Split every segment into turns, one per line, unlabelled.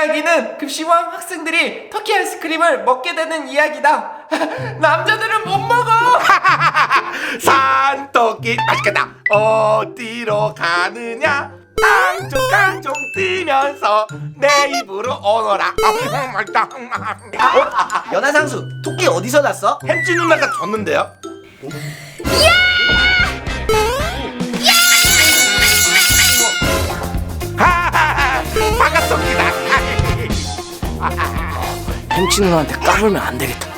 이야기는 급식왕 학생들이 터키 아이스크림을 먹게 되는 이야기다. 남자들은 못 먹어.
산토끼 맛있겠다. 어디로 가느냐? 깡총깡총 뛰면서 내 입으로 오너라. 맛있다.
연하상수, 토끼 어디서 났어?
햄찌 누나가 줬는데요. 반갑습니다.
햄치 누나한테 까불면 안 되겠다.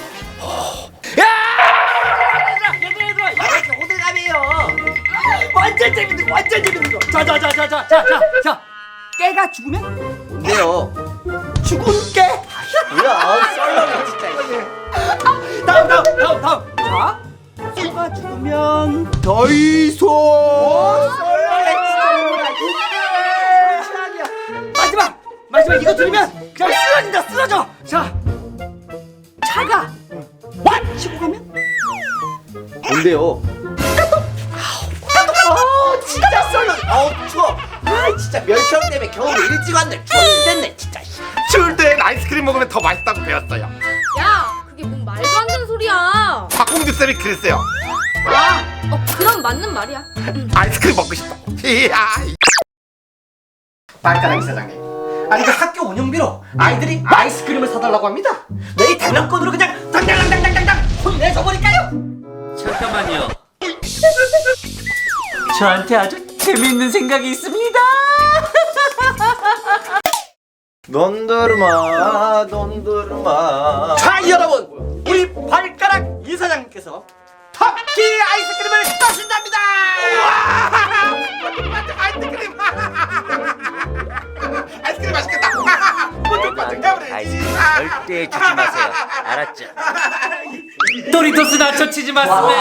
얘들아, 이렇게 호들갑이에요. 완전 재밌는 거, 완전 재밌는 거. 자, 깨가 죽으면
뭔데요?
죽은 깨.
뭐야, 썰렁해 진짜.
다음. 자, 소가 죽으면 더이소. 마지막 이거 들으면 그냥 쓰러져. 자, 차가 치고 가면
뭔데요? 진짜 썰렁해. 추워. 진짜 멸치형 때문에 겨울에 일찍 왔네. 죽겠네 진짜.
추울 땐 아이스크림 먹으면 더 맛있다고 배웠어요.
야, 그게 뭔 말도 안 되는 소리야.
박공주 쌤이 그랬어요.
그럼 맞는 말이야.
아이스크림 먹고 싶다. 이야.
발가락 이사장님, 아니 그 학교 운영비로 아이들이 아이스크림을 사달라고 합니다. 내일 대면권으로 그냥 당당당당당당 혼내줘 버릴까요?
잠깐만요. 저한테 아주 재미있는 생각이 있습니다.
넌더르마.
자, 여러분, 우리 발가락 이사장님께서 터키 아이스크림을 따신답니다.
아이스크림 맛있겠다.
아이스크림 절대 주지 마세요. 알았죠? 도리토스 나초 치즈 맛스네.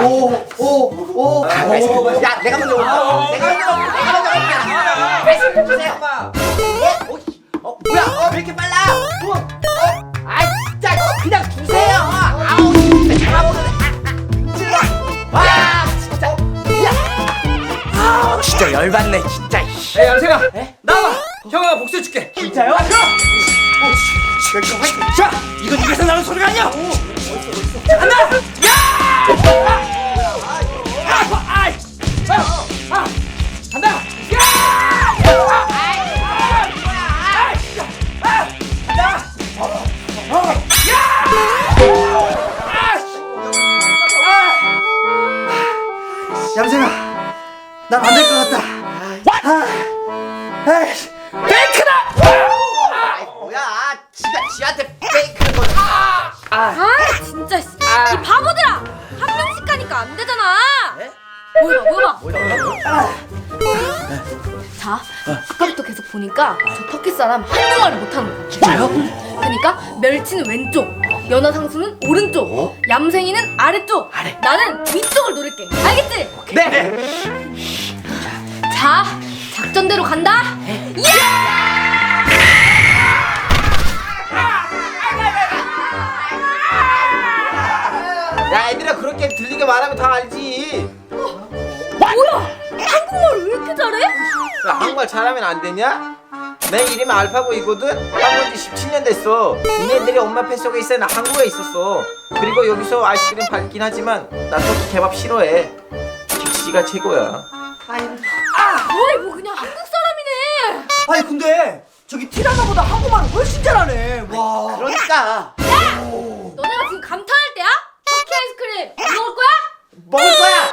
야, 내가 먼저 올까? 내가 먼저 올까? 말씀 주세요. 뭐야? 왜 이렇게 빨라? 진짜 그냥 주세요. 아우, 진짜 잡아먹었네. 와, 진짜. 야. 진짜 열받네, 진짜.
야, 양생아, 나와. 형아 복수해줄게. 진짜요? 자, 이건 입에서 나는 소리가 아니야. 하나, 간다. 얌생아, 난 안 될 것 같다. 베이크다!
뭐야? 지한테 페이크는 거는.
진짜 이 바보들아! 한 명씩 가니까 안 되잖아. 보여봐. 자, 아까부터 계속 보니까 저 터키 사람 한국말을 못하는 거야.
진짜요?
그러니까 멸치는 왼쪽, 연어상수는 오른쪽, 얌생이는 아래쪽, 나는 위쪽을 노릴게. 알겠지?
네.
자, 작전대로 간다.
야, 애들아, 그렇게 들리게 말하면 다 알지.
뭐야? 한국말 왜 이렇게 잘해?
야, 한국말 잘하면 안 되냐? 내 이름이 알파고이거든? 한국인 지 17년 됐어. 니네들이 엄마 뱃속에 있어. 나 한국에 있었어. 그리고 여기서 아이스크림 팔긴 하지만 나 터키 케밥 싫어해. 김치가 최고야.
어이, 뭐 그냥 한국 사람이네.
아니 근데 저기 티라나보다 한국말을 훨씬 잘하네. 와.
그러니까
너네가 지금 감탄할 때야? 터키 아이스크림 안 먹을 거야?
먹을 거야.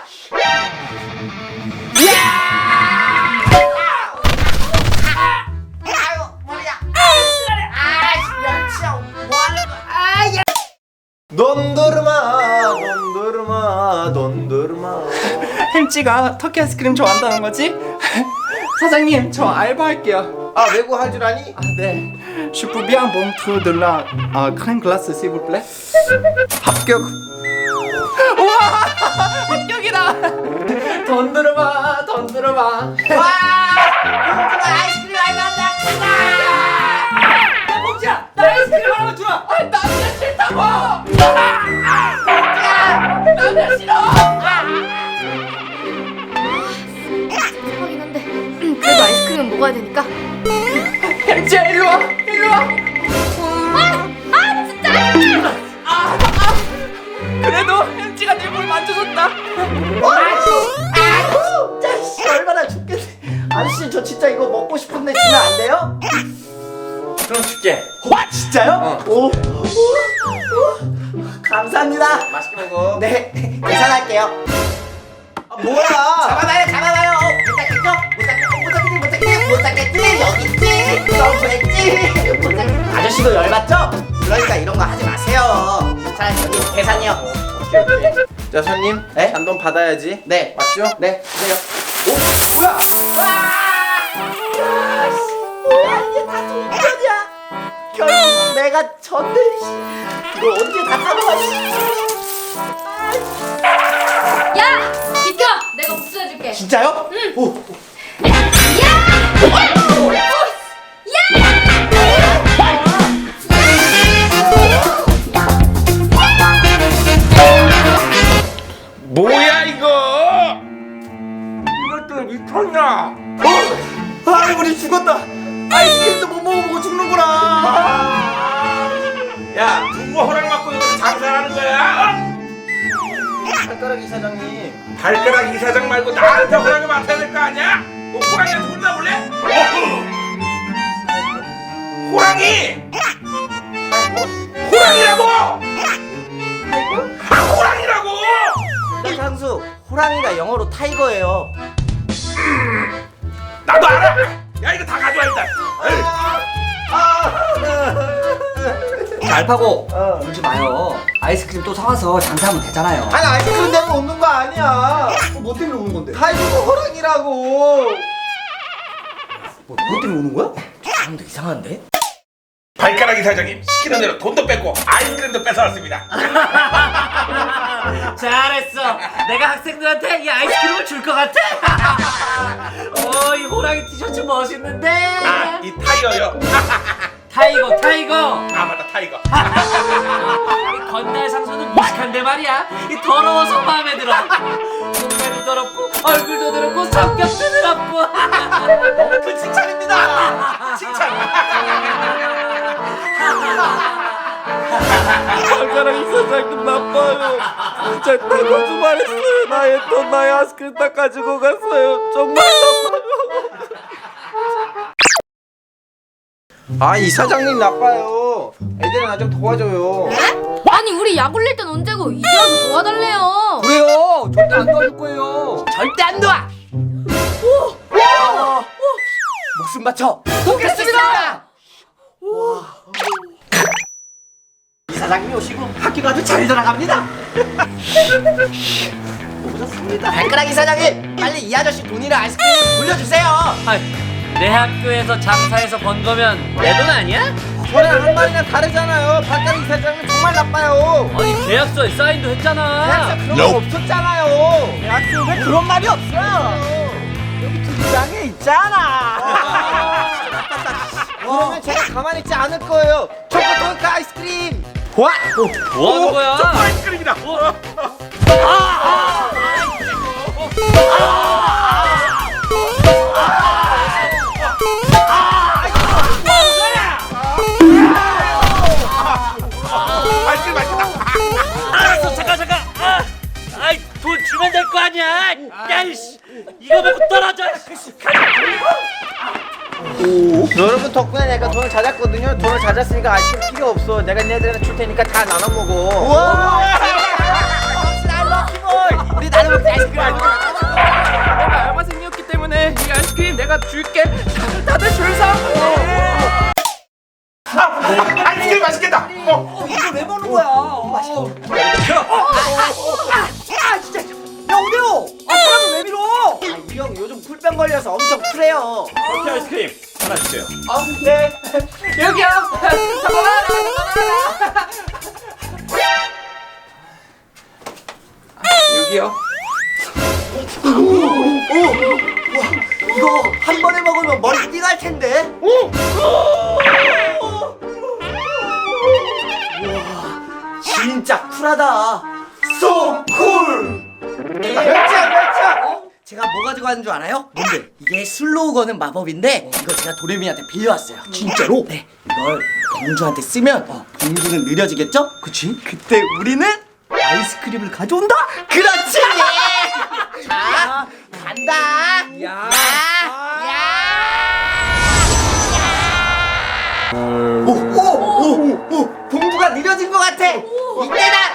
돈도르마.
햄찌가 터키 아이스크림 좋아한다는 거지? 사장님, 저 알바할게요.
아, 외국 할 줄 아니?
네. Je peux bien bon trou de la crème glace s'il vous plaît? 합격. 우와, 합격이다. 돈 들어봐.
와! 아이스크림 알바한다.
봉지야, 나 아이스크림 하나만 주라.
남자 싫다고. 남자 싫어.
대박이긴 한데 그래도 아이스크림은 먹어야 되니까.
햄찌야, 일로 와.
그럼 줄게.
와 진짜요? 오. 감사합니다.
맛있게 먹어.
네 계산할게요.
아, 뭐야?
잡아봐요. 못 잡겠지. 여기 있지. 너무했지. 아저씨도 열받죠? 그러니까 이런 거 하지 마세요. 자 여기 계산이요.
오케이. 자 손님,
네?
잔돈 받아야지.
네.
맞죠?
네 주세요.
뭐야?
이게 다 동전이야. 결국 내가 졌네. 이걸 언제 다 까먹었지?
야! 비켜! 내가 복수해줄게.
진짜요? 응. 오.
뭐야 이거? 이것도 미쳤나?
아, 우리 죽었다. 아이스크림도 못 먹어보고 죽는구나.
야 누구 허락 받고 여기서 장사하는 거야?
발가락 이사장님.
발가락 이사장 말고 나한테 허락을 맡아야 될 거 아니야? 너 호랑이한테 혼나볼래? 호랑이! 호랑이라고! 아 호랑이라고!
상수, 호랑이가 영어로 타이거예요.
나도 알아! 야 이거 다 가져와 일단.
알파고 울지 마요. 아이스크림 또 사와서 장사하면 되잖아요.
아니 아이스크림 때문에 웃는 거 아니야.
뭐 때문에 우는 건데?
타이거가 호랑이라고.
뭐 때문에 우는 거야? 사람도 이상한데?
발가락 이사장님 시키는 대로 돈도 뺏고 아이스크림도 뺏어왔습니다.
잘했어. 내가 학생들한테 이 아이스크림을 줄 것 같아. 이 호랑이 티셔츠 멋있는데.
아 이 타이어요.
타이거.
아 맞다 타이거.
이 건달 상소는 무식한데 말이야. 이 더러워서 마음에 들어. 몸매도 더럽고 얼굴도 더럽고 성격도 더럽고.
너무 큰 칭찬입니다. 칭찬.
발가락 이사장님 나빠요. 진짜 다 거짓말했어요. 나의 돈, 나의 아이스크림 다 가지고 갔어요. 정말 나빠요.
아 이사장님 나빠요. 애들은 나 좀 도와줘요.
아니 우리 약 올릴 땐 언제고 이제 와서 도와달래요.
그래요. 절대 안 도와줄 거예요. 절대 안 도와. 목숨 바쳐 도겠습니다. 이사장님이 오시고 학교가 아주 잘 돌아갑니다. 오셨습니다. 발가락 이사장님, 빨리 이 아저씨 돈이랑 아이스크림 돌려주세요.
내 학교에서 장사해서 번 거면 내 돈 아니야?
저랑 한 말이랑 다르잖아요. 발가락 이사장님 정말 나빠요.
아니 계약서에 사인도 했잖아.
대학생 그런 거 없었잖아요.
대학교에 그런 말이 없어요. 여기 뒷장에 있잖아.
그러면 제가 가만히 있지 않을 거예요. 초코도크 아이스크림.
와.
뭐 하는 거야?
초코 아이스크림이다. 아이스크림 맛있다.
알았어 잠깐. 아이 돈 주면 될 거 아니야. 야이씨 이거 말고 떨어져.
여러분 덕분에 내가 돈을 찾았거든요. 돈을 찾았으니까 아이스크림 필요 없어. 내가 얘네들한테 줄 테니까 다 나눠 먹어.
우리 나눠 먹자 아이스크림.
내가 알바생이었기 때문에 이 아이스크림 내가 줄게. 다들 줄 서.
아이스크림 맛있겠다.
이걸 왜 먹는 거야? 맛있어. 진짜. 야 오대호. 사람을 왜 밀어?
이 형 요즘 쿨병 걸려서 엄청 쿨해요.
커피 아이스크림 하나 주세요.
네. 여기요.
여기요.
이거 한 번에 먹으면 머리 띵할 텐데. 우와, 진짜 쿨하다. So cool. 제가 뭐 가지고 왔는 줄 알아요? 뭔데? 이게 슬로우 거는 마법인데 이거 제가 도레미한테 빌려왔어요. 진짜로? 네. 이걸 공주한테 쓰면 공주는 느려지겠죠? 그치? 그때 우리는 아이스크림을 가져온다? 그렇지! 자, 간다! 야! 야!
떨어진 것 같아. 이때다.